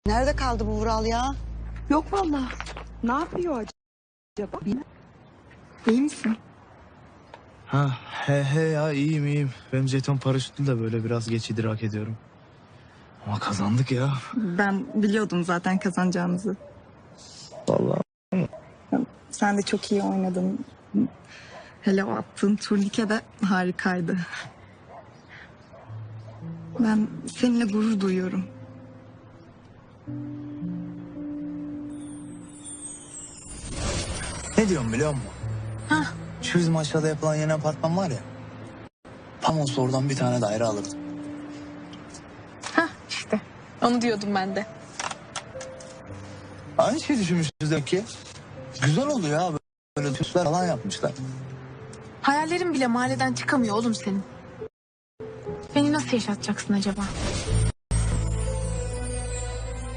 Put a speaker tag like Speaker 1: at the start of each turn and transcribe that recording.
Speaker 1: Nerede kaldı bu Vural ya?
Speaker 2: Yok vallahi. Ne yapıyor acaba? İyi misin?
Speaker 3: He ya iyiyim. Benim jeton paraşütlü de böyle biraz geç idrak ediyorum. Ama kazandık ya.
Speaker 2: Ben biliyordum zaten kazanacağımızı.
Speaker 3: Vallahi.
Speaker 2: Sen de çok iyi oynadın. Hele o attığın turnike de harikaydı. Ben seninle gurur duyuyorum.
Speaker 3: Ne diyorum biliyor musun? Şu bizim aşağıda yapılan yeni apartman var ya. Tam olsa oradan bir tane daire alırdım.
Speaker 4: İşte onu diyordum ben de.
Speaker 3: Aynı şey düşünmüşüz demek ki. Güzel oldu ya. Böyle tüsler falan yapmışlar.
Speaker 4: Hayallerin bile mahalleden çıkamıyor oğlum senin. Beni nasıl yaşatacaksın acaba?